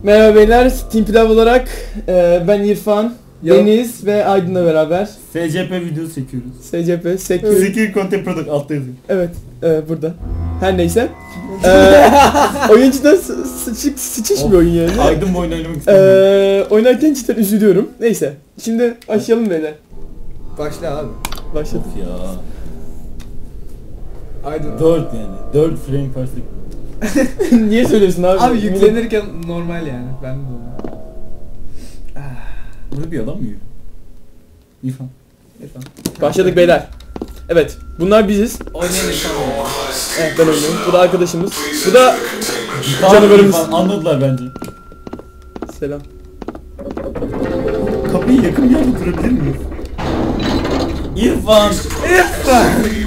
Merhaba beyler, Team Pilav olarak ben İrfan, Deniz ve Aydın'la beraber SCP videosu çekiyoruz. SCP, Secure Content Product altta yazıyor. Evet, burada. Her neyse. Oyuncuda sıçış bir oyun yani. Aydın bu oyunu oynamak istemiyorum. Oynarken cidden üzülüyorum. Neyse, şimdi başlayalım beyler. Başla abi. Başladık. Of ya. Aydın. 4 yani. 4 frame per second. Niye söylüyorsun abi? Abi yüklenirken normal yani. Ben de onu. Burada bir adam mı yürüyor? İrfan. Başladık beyler. Evet, bunlar biziz. Oynayan insan oluyor. Evet, ben oynuyorum. Bu da arkadaşımız. Bu da Tamam, canavarımız. İrfan, anladılar bence. Selam. Kapıyı yakın bir yerde durabilir miyiz? İrfan! İrfan!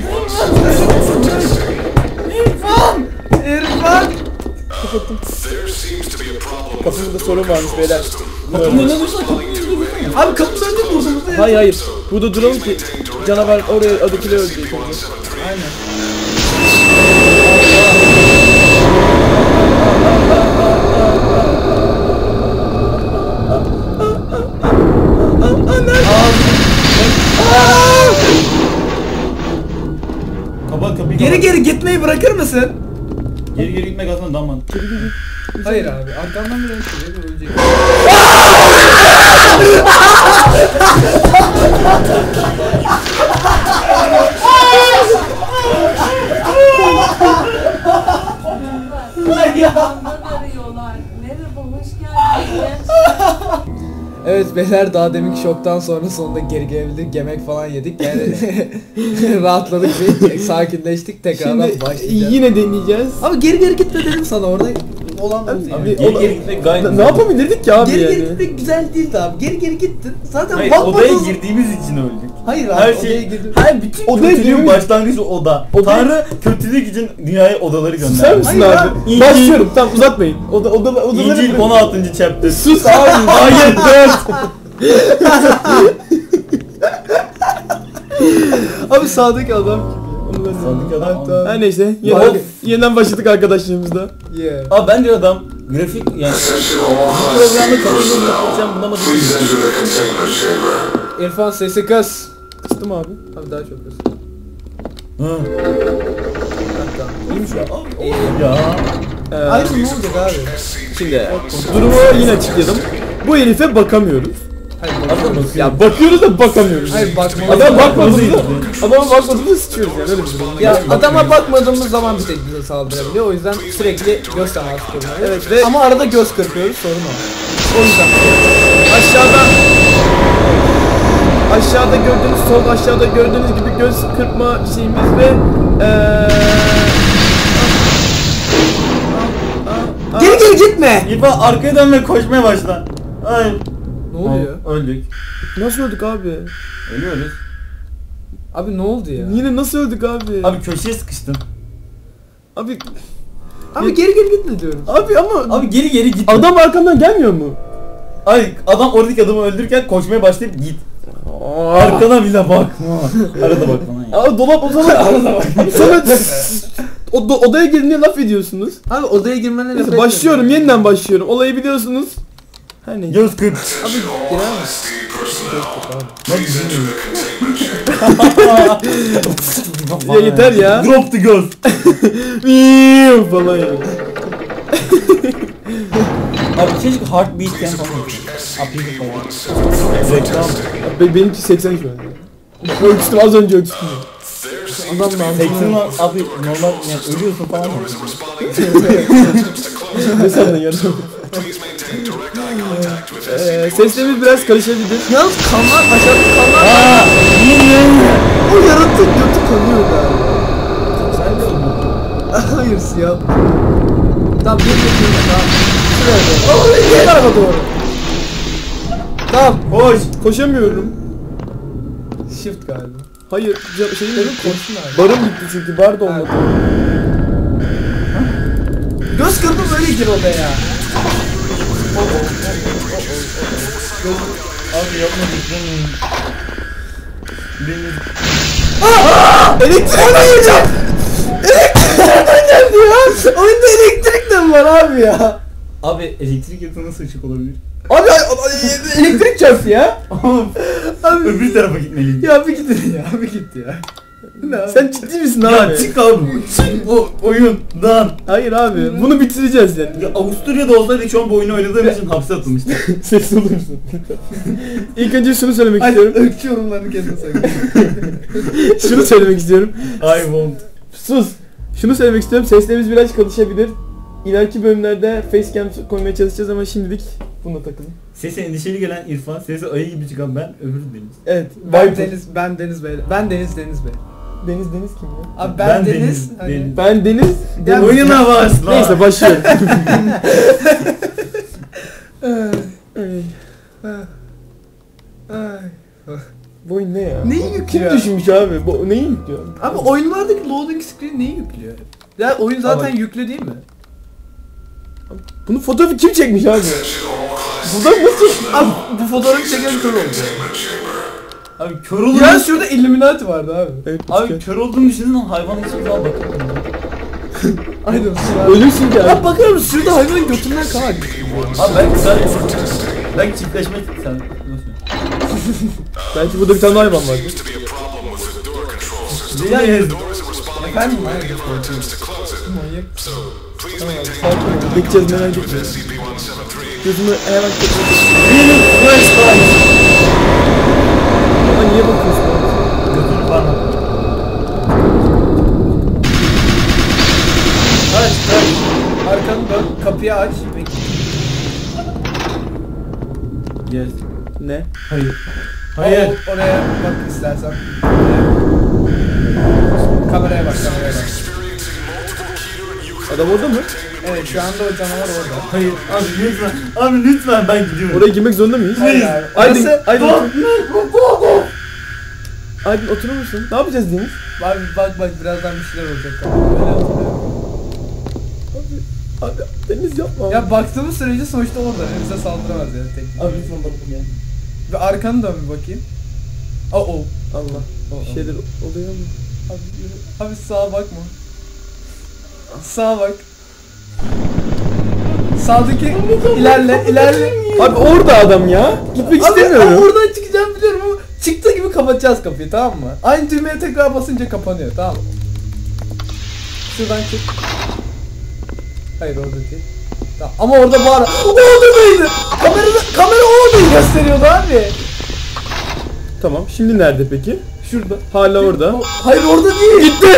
İrfan! İrfan! Kapattım. Kapımda sorun varmış beyler. Kapının önüne dursa kapıyı Abi kapı önünde mi ortamızda ya? Hayır hayır. Burada duralım ki canavar oraya adakileri öldürecek. Aynen. Kapat kapıyı. Geri gitmeyi bırakır mısın? Geri gitmek aslında daha mantıklı. Hayır abi. Arkamdan bir ölecek. Ölecek. Arıyorlar. Merhaba, hoş geldiniz. Evet beyler, daha deminki şoktan sonra sonunda geri gelebildik. Yemek falan yedik. Yani rahatladık bir sakinleştik. Tekrardan Şimdi başlayacağız. yine deneyeceğiz. Abi geri gitme dedim sana, orada olan oldu yani. Abi, Geri gitmek gayet Ne güzel. yapabilirdik ki abi Geri yani? gitmek güzel değildi abi. Geri gittin. Zaten Hayır, bakmadın. odaya girdiğimiz için öldük. Hayır abi, Her odaya şey, girdim. her bütün Odaya kötülüğün girmiş. başlangıcı oda. Tanrı kötülük için dünyaya odaları Susar gönderdi. mısın Hayır abi? abi. Başlıyorum. Tamam, uzatmayın. Odaları İncil 16. chapter. Sus abi. Ayet 4. Abi sağdaki adam kim? Onu ben de- Sağdaki adam Ha, tamam. mı? Her neyse. Bak- Yeniden başladık arkadaşlarımızla. Yeah. Abi bence adam grafik yani bu programda katılım yapacağım bulamadım. İrfan sesi kız. Kıstım abi. Abi daha çok kız. Hı. İyiymiş ya. Ya. Aydın ne olacak abi? Şimdi durumu yine açıkladım. Bu herife bakamıyoruz. Hayır Adam bakma. bakıyor. Ya bakıyoruz da bakamıyoruz. Hayır bakma. Adam bakmadığında, Bakmadığında- adama bakmadığında sıçıyoruz yani, öyle bir durum. Ya adama bakmadığımız zaman bir tek bize saldırabiliyor. O yüzden sürekli göz teması kuruyoruz. Evet ve Ama arada göz kırpıyoruz, sorun o. o yüzden aşağıda gördüğünüz, sol aşağıda gördüğünüz gibi göz kırpma şeyimiz ve Geri gitme. İrfan arkaya dön ve koşmaya başla. Ay. Ne oluyor? Öldük. nasıl öldük abi? Ölüyoruz. Abi ne oldu ya? Yine nasıl öldük abi? Abi köşeye sıkıştın. Abi Abi geri gitme diyorum. ama Abi geri git. adam arkamdan gelmiyor mu? Ay adam oradaki adamı öldürürken koşmaya başlayıp git. Arkana bile bakma. Arada bak bana ya. Aa, dolap o zaman sonra odaya girince laf ediyorsunuz. Abi odaya girmene Neyse, başlıyorum, yeniden başlıyorum. Olayı biliyorsunuz. Her neyse. Göz kırp. Abi girer misin? Bak bilmiyorum. Ya yeter ya. Drop the göz. Miiiiv falan ya. Abi keşke heartbeat falan olsun. Apıydı falan. Reklam. Benimki 80 şu an. Ölçtüm, az önce ölçtüm. Adam lazım. 80 abi normal yani ölüyorsun falan. Ne sandın ya? Seslerimiz biraz karışabilir. Yalnız kanlar, aşağıdaki kanlar. Aaa! O yarattık götü kanıyor galiba. Sen de mi? Hayır siyah. Tamam bir tamam. Şuraya doğru. Bu tarafa doğru. Tamam. Koş! Koşamıyorum. Shift galiba. Hayır, şeyim Benim bitti. koşun abi. Barım bitti çünkü, bar da olmadı. Göz kırpıp böyle gir odaya. Abi yapma lütfen. Beni... Elektrik nereden geldi ya? Oyunda elektrik de mi var abi ya? Abi elektrik yatağı nasıl ışık olabilir? Abi elektrik çarptı ya. Abi öbür tarafa gitmeliyim. Ya bir git ya, bir git ya. Ne abi? Sen ciddi misin Ya abi? çık abi. Çık bu oyundan. Hayır abi. Bunu bitireceğiz yani. Ya Avusturya'da olsaydı şu an bu oyunu oynadığım için hapse atılmıştı. Ses olur musun? İlk önce şunu söylemek Hadi istiyorum. ırkçı yorumlarını kendine sakın. Şunu söylemek istiyorum. I won't. Sus. Şunu söylemek istiyorum. Seslerimiz biraz karışabilir. İleriki bölümlerde facecam koymaya çalışacağız ama şimdilik bununla takılın. Sesi endişeli gelen İrfan, sesi ayı gibi çıkan ben, öbürü Deniz. Evet. Ben Viper. Deniz Bey. Ben Deniz Bey. Deniz kim ya? Abi Ben ben Deniz, Deniz. Hani... Deniz. Ben Deniz. Ya Deniz. Oyuna başla. Neyse başlıyorum. Bu oyun ne ya? Neyi Kim yüklüyor? düşünmüş abi? Bu neyi yüklüyor? Abi oyunlardaki loading screen neyi yüklüyor? Ya oyun zaten Ama- yüklü değil mi? Bunun fotoğrafı kim çekmiş abi? Buradan nasıl çekmiş? Abi bu fotoğrafı çeken kör oldu. Abi kör olduğunu... Ya şurada Illuminati vardı abi. Evet, Abi kör olduğunu düşündün ama hayvan hiçbir zaman bakamıyorum. Aynen. ölürsün ki abi. Ya bakar mısın şurada hayvanın götünden kan akıyor. Abi belki sadece... Belki çiftleşme... Sen... Belki burada bir tane hayvan vardı. Deniz. Efendim? Manyak. Tamam abi sakin ol. Bekleyeceğiz merak etme. Gözümü hemen kapatayım. Benim flashlight. Ama niye bakıyorsun abi? Götünü parmak. Aç. Arkanı dön, kapıyı aç. Yes. Ne? Hayır. Hayır. Oraya bak istersen. Kameraya bak. Adam orada mı? Evet şu anda o canavar orada. Hayır. Abi lütfen. Abi lütfen ben gidiyorum. Oraya girmek zorunda mıyız? Hayır abi. Aydın, Orası- Aydın, Aydın oturur musun? Ne yapacağız Deniz? Bak birazdan bir şeyler olacak. Abi Deniz yapma. Ya baktığımız sürece sonuçta orada. Bize saldıramaz yani tek. Abi lütfen bakın ya. Bir arkanı dön bir bakayım. Oh. Allah. Bir şeyler oluyor mu? Abi yürü. Abi sağa bakma. Sağa bak. Sağdaki ilerle. Abi orada adam ya. Gitmek Abi istemiyorum. oradan çıkacağım biliyorum ama çıktığı gibi kapatacağız kapıyı, tamam mı? Aynı düğmeye tekrar basınca kapanıyor, tamam mı? Şuradan çık. Hayır orada değil. Tamam. Ama orada bağır. O oradaydı. Kamera o odayı gösteriyordu abi. Tamam. Şimdi nerede peki? Şurada. Hala orada. Hayır orada değil. Gitti.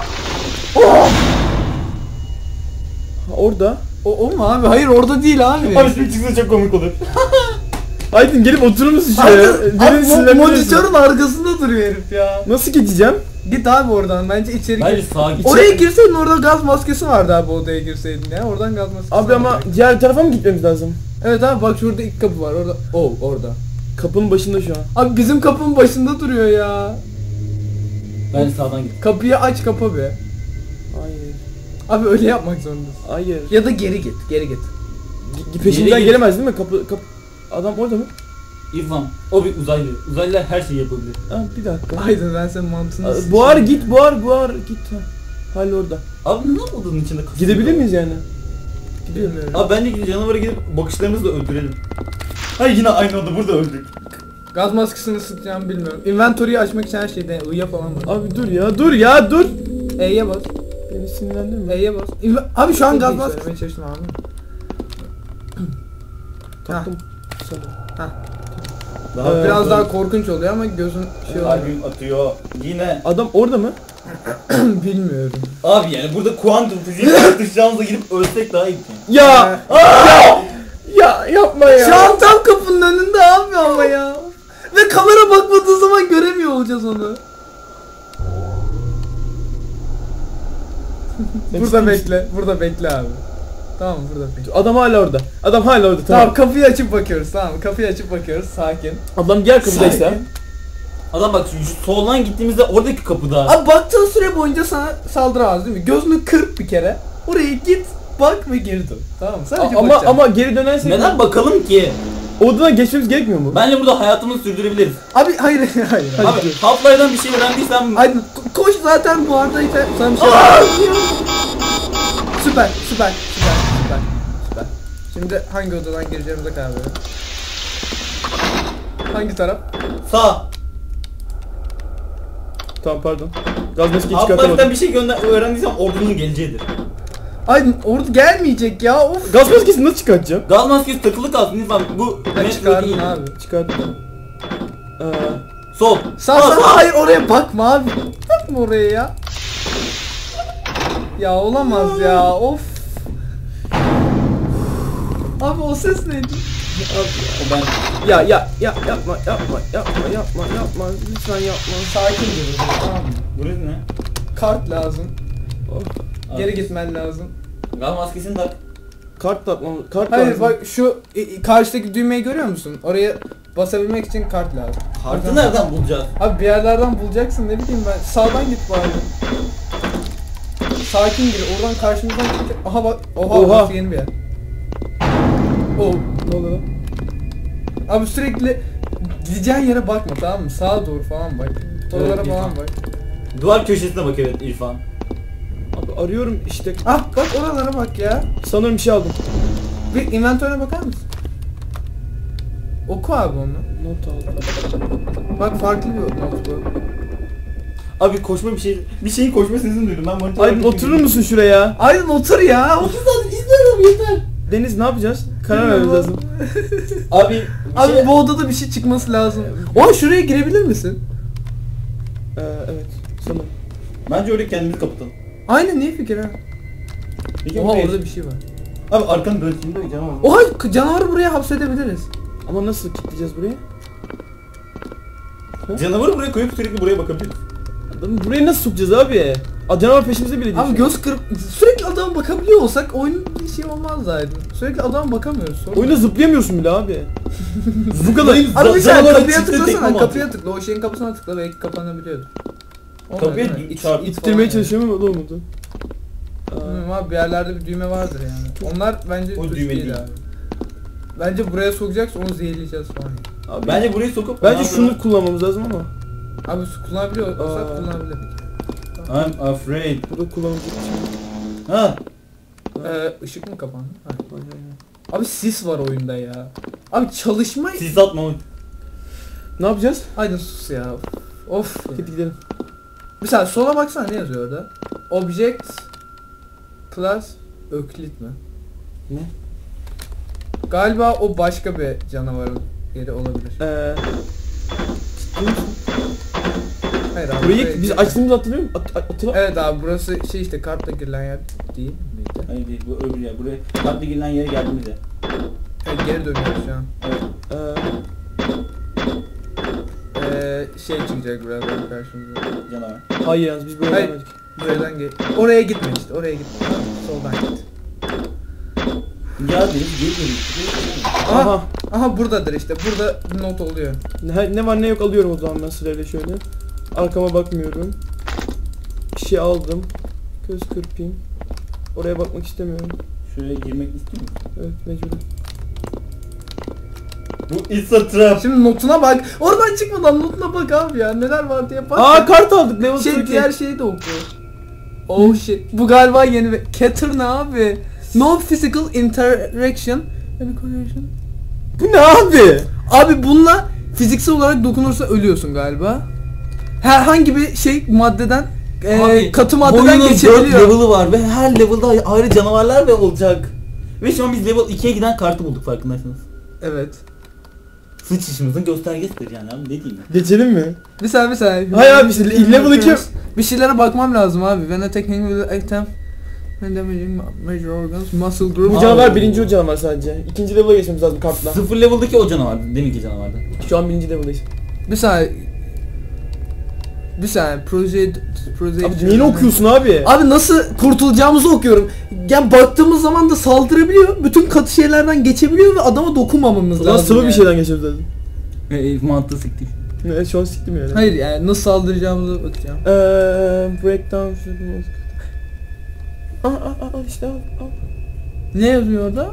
Orada. O mu abi? Hayır orada değil abi. Abi şimdi çıksa çok komik olur. Aydın gelip oturur musun şuraya? Abi Deniz sinirlendiriyorsun. monitörün arkasında duruyor herif ya. Nasıl geçeceğim? Git abi oradan, bence içeri Hayır gir. sağa git. Oraya girseydin, orada gaz maskesi vardı abi, odaya girseydin ya. Oradan gaz maskesi Abi ama vardı. diğer tarafa mı gitmemiz lazım? Evet abi bak şurada ilk kapı var orada. Orada. Kapının başında şu an. Abi bizim kapının başında duruyor ya. Ben sağdan git. Kapıyı aç, kapa be. Hayır. Abi öyle yapmak zorundasın. Hayır. Ya da geri git. Peşimden Geri git. gelemez değil mi? Kapı adam orada mı? İrfan, o bir uzaylı. Uzaylılar her şeyi yapabilir. Ha, bir dakika. Aydın ben senin mantığını Buhar git, buhar git. Ha. Hala orada. Abi ne odanın içinde kasıyor? Gidebilir miyiz yani? Bilmiyorum. Abi bence canavara gidip bakışlarımızla öldürelim. Hayır yine aynı oda, burada öldük. Gaz maskesini sıkacağımı bilmiyorum. Inventory'yi açmak için her şeyde I'ya falan var. Abi dur. E'ye bas. Beni sinirlendirme. E'ye bas. Abi şu an Çok gaz iyi maskesi. söylemeye çalıştım anladın mı? Taktım. Sana. Biraz daha korkunç oluyor ama gözün şey oluyor. Albüm atıyor. Yine. Adam orada mı? Bilmiyorum. Abi yani burada kuantum fiziği tartışacağımıza gidip ölsek daha iyi. Ya! Ya yapma ya. Şu an tam kapının önünde abi ama ya. Ve kamera bakmadığı zaman göremiyor olacağız onu. Burada bekle abi. Tamam burada bekle. Adam hala orada. Tamam. Tamam kapıyı açıp bakıyoruz, tamam kapıyı açıp bakıyoruz, sakin. Adam diğer kapıdaysa. Sakin. Adam bak şu soldan gittiğimizde oradaki kapıda. Abi baktığın süre boyunca sana saldıramaz değil mi? Gözünü kırp bir kere. Oraya git, bak ve geri dön. Tamam mı? Sadece bakacaksın. Ama geri dönersek Neden bakalım ki? odadan geçmemiz gerekmiyor mu? Bence burada hayatımızı sürdürebiliriz. Abi hayır. Abi Half-Life'dan bir şey öğrendiysem... Aydın koş zaten bu arada sana bir şey Süper. Şimdi hangi odadan gireceğimize karar verelim. Hangi taraf? Sağ. Tamam pardon. Gaz maskeyi Altlardan çıkartamadım. bir şey öğrendiysem ordunun geleceğidir. Ay orada gelmeyecek ya of. Gaz maskesini nasıl çıkartacağım? Gaz maskesi takılı kalsın lütfen. Bu Ben metro çıkardım değil. abi. Çıkarttım. Sol. Sağ hayır oraya bakma abi. Bakma oraya ya. Ya olamaz ya of. Abi o ses neydi? O ben. Ya yapma lütfen yapma. Sakin dur tamam mı? Burası ne? Kart lazım. Oh. Geri gitmen lazım. Gaz maskesini tak. Kart atmam. Kart Hayır lazım. bak şu karşıdaki düğmeyi görüyor musun? Oraya basabilmek için kart lazım. Kartı nereden bulacağız? Abi bir yerlerden bulacaksın ne bileyim ben. Sağdan git bari. Sakin gir. Oradan karşımızdan çıkacak. Aha bak. Oha. Oha. Burası yeni bir yer. Oh. Ne oluyor lan? Abi sürekli gideceğin yere bakma tamam mı? Sağa doğru falan bak. Oralara Evet, falan İrfan. bak. Duvar köşesine bak evet İrfan. Abi arıyorum işte. Ah bak oralara bak ya. Sanırım bir şey aldım. Bir inventörüne bakar mısın? Oku abi onu. Not aldım. Bak farklı bir not bu. Abi koşma bir şeyin koşma sesini duydum ben monitöre Aydın oturur musun şuraya? Aydın otur ya. Otur zaten izliyorum yeter. Deniz ne yapacağız? Karar vermemiz lazım. Abi Abi bu odada bir şey çıkması lazım. Oha şuraya girebilir misin? Evet. Sanırım. Bence öyle kendimizi kapatalım. Aynen iyi fikir ha. Peki Oha buraya- orada bir şey var. Abi arkanı dön şimdi canavar. Oha canavarı buraya hapsedebiliriz. Ama nasıl kilitleyeceğiz burayı? Canavarı buraya koyup sürekli buraya bakabiliriz. Adamı buraya nasıl sokacağız abi? Canavar peşimize bile Abi göz kırıp sürekli adama bakabiliyor olsak oyun bir şey olmaz Aydın. Sürekli adama bakamıyoruz. Sorun. Oyunda zıplayamıyorsun bile abi. Bu kadar. Abi bir Canavarın saniye kapıya çıktığı tekme tıklasana, mi kapıya tıkla. O şeyin kapısına tıkla belki kapanabiliyordu. Olmadı Kapıya değil mi? çarpıp İttirmeye çalışıyorum ama olmadı. Bilmiyorum abi bir yerlerde bir düğme vardır yani. Onlar bence O suç düğme değil değil. abi. Bence buraya sokacaksa onu zehirleyeceğiz falan. Abi Bence burayı sokup bence şunu kullanmamız lazım ama. Abi su kullanabiliyor olsak kullanabilirdik. I'm afraid. Burada kullanılacak bir şey yok. Ha. Işık mı kapandı? Hayır. Hayır, hayır. Abi sis var oyunda ya. Abi çalışma... Sis atma oğlum. Ne yapacağız? Aydın sus ya. Of. Hadi gidelim. Bir saniye sola baksana ne yazıyor orada? Object Class Öklit mi? Ne? Galiba o başka bir canavarın yeri olabilir. Ciddi misin? Hayır abi. Burayı buraya biz gir- açtığımızı hatırlıyor musun? Hatırla. Evet abi burası şey işte kartla girilen yer değil miydi? Hayır değil bu öbür yer. Buraya kartla girilen yere geldiğimizde. Evet geri dönüyoruz şu an. Evet. Şey çıkacak birazdan karşımıza. Canavar. Hayır yalnız biz böyle Hayır. gelmedik. Buradan gel. Oraya gitme işte oraya gitme. Tamam, soldan git. Ya deniz geri dönüyor. Aha. Aha buradadır işte. Burada bir not oluyor. Ne var ne yok alıyorum o zaman ben sırayla şöyle. Arkama bakmıyorum. Bir şey aldım. Göz kırpayım. Oraya bakmak istemiyorum. Şuraya girmek istiyor musun? Evet mecburum. Bu is a trap. Şimdi notuna bak. Oradan çıkmadan notuna bak abi ya. Neler var diye bak. Aa kart aldık level şey 2. diğer şeyi de oku. Oh shit. Bu galiba yeni bir Cater ne abi? No physical interaction. Any correlation? Bu ne abi? Abi bununla fiziksel olarak dokunursa ölüyorsun galiba. Herhangi bir şey maddeden katı maddeden Oyunun 4 geçebiliyor. level'ı var ve her level'da ayrı canavarlar ve olacak. Ve şu an biz level 2'ye giden kartı bulduk farkındaysanız. Evet. Sıç işimizin göstergesidir yani abi ne diyeyim ben. Geçelim mi? Bir saniye. Hayır abi işte level 2. Bir şeylere bakmam lazım abi. When attacking with item when damaging major organs, muscle group. Bu canavar birinci o canavar sadece. İkinci level'a geçmemiz lazım kartla. 0 level'daki o canavardı deminki canavardı. Şu an birinci level'dayız. Bir saniye. Proceed. Abi neyini okuyorsun abi? Abi nasıl kurtulacağımızı okuyorum. Yani baktığımız zaman da saldırabiliyor. Bütün katı şeylerden geçebiliyor ve adama dokunmamamız O zaman lazım. sıvı yani. bir şeyden geçiyoruz zaten. Mantığı siktik. Ne şu an siktim yani. Hayır yani nasıl saldıracağımıza bakacağım. Breakdown işte al. Ne yazıyor orada?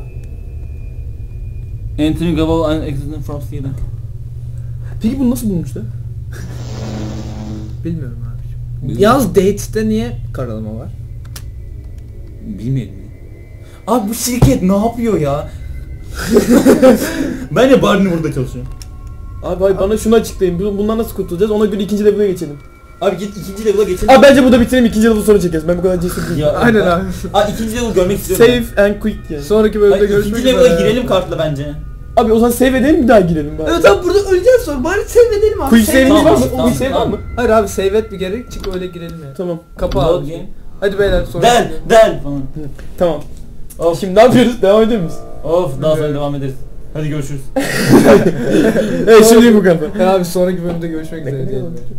Anthony Gaval and Exodus from Sweden. Peki bunu nasıl bulmuşlar? Bilmiyorum abi. Yalnız Dates'te niye karalama var? Bilmiyorum. Abi bu şirket ne yapıyor ya? Bence Barney burada çalışıyor. Abi hayır bana şunu açıklayın. Bundan nasıl kurtulacağız? Ona göre ikinci level'a geçelim. Abi git ikinci level'a geçelim. Abi bence burada bitirelim, ikinci level sonra çekeriz. Ben bu kadar cesur değilim. Ya, Aynen abi. ikinci level görmek istiyorum. Save and quick yani. Sonraki bölümde Hayır, görüşmek ikinci üzere. level'a girelim kartla bence. Abi o zaman save edelim bir daha girelim bari. Evet abi burada öleceğiz sonra. Bari save edelim abi. Quick Save save'imiz var edelim. mı? Tamam, Quick save var tamam. mı? Hayır abi save et bir gerek çık öyle girelim ya. Tamam. Kapı Load abi. game. Hadi beyler sonra. Del falan. Tamam. Of. Şimdi ne yapıyoruz? Devam ediyor muyuz? Of daha sonra devam ederiz. Hadi görüşürüz. Evet şimdi bu kadar. Abi sonraki bölümde görüşmek üzere diyelim.